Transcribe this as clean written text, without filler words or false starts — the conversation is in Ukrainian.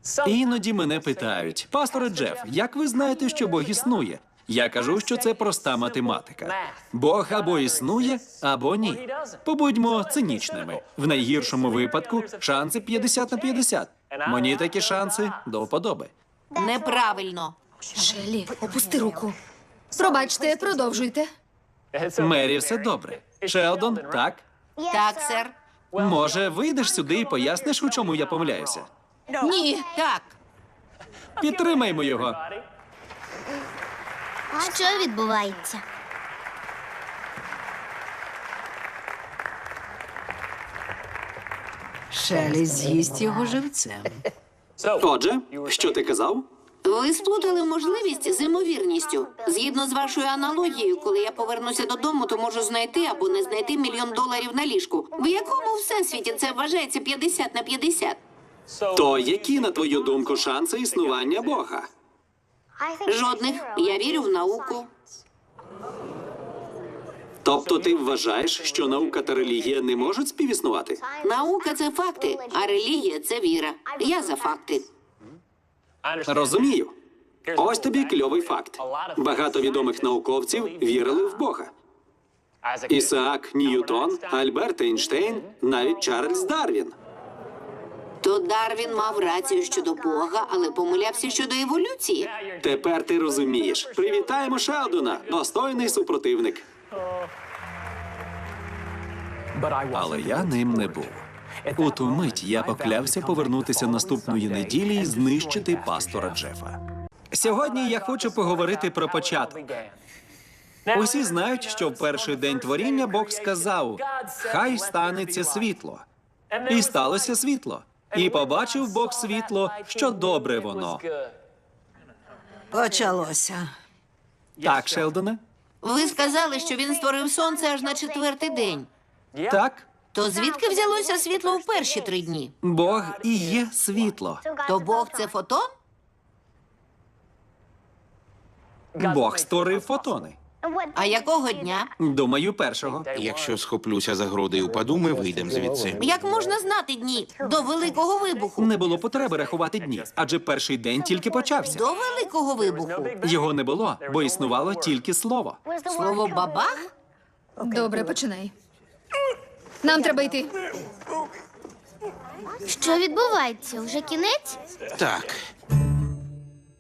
Іноді мене питають: пасторе Джеф, як ви знаєте, що Бог існує? Я кажу, що це проста математика. Бог або існує, або ні. Побудьмо цинічними. В найгіршому випадку шанси 50 на 50. Мені такі шанси до вподоби. Неправильно. Шеллі, опусти руку. Пробачте, продовжуйте. Мері, все добре. Шелдон, так? Так, сер. Може, вийдеш сюди і поясниш, у чому я помиляюся? Ні. Так. Підтримаймо його. Що відбувається? Шелі з'їсть його живцем. Отже, що ти казав? Ви сплутали можливість з ймовірністю. Згідно з вашою аналогією, коли я повернуся додому, то можу знайти або не знайти $1 мільйон на ліжку. В якому всесвіті це вважається 50 на 50? То які, на твою думку, шанси існування Бога? Жодних. Я вірю в науку. Тобто ти вважаєш, що наука та релігія не можуть співіснувати? Наука – це факти, а релігія – це віра. Я за факти. Розумію. Ось тобі кльовий факт. Багато відомих науковців вірили в Бога. Ісаак Ньютон, Альберт Ейнштейн, навіть Чарльз Дарвін. То Дарвін мав рацію щодо Бога, але помилявся щодо еволюції. Тепер ти розумієш. Привітаємо Шелдона, достойний супротивник. Але я ним не був. У ту мить я поклявся повернутися наступної неділі і знищити пастора Джефа. Сьогодні я хочу поговорити про початок. Усі знають, що в перший день творіння Бог сказав: «Хай станеться світло». І сталося світло. І побачив Бог світло, що добре воно. Почалося. Так, Шелдоне? Ви сказали, що він створив сонце аж на 4-й день. Так. То звідки взялося світло в перші 3 дні? Бог і є світло. То Бог – це фотон? Бог створив фотони. А якого дня? Думаю, першого. Якщо схоплюся за груди і упаду, ми вийдемо звідси. Як можна знати дні? До Великого Вибуху. Не було потреби рахувати дні, адже перший день тільки почався. До Великого Вибуху. Його не було, бо існувало тільки слово. Слово «бабах»? Добре, починай. Нам треба йти. Що відбувається? Уже кінець? Так.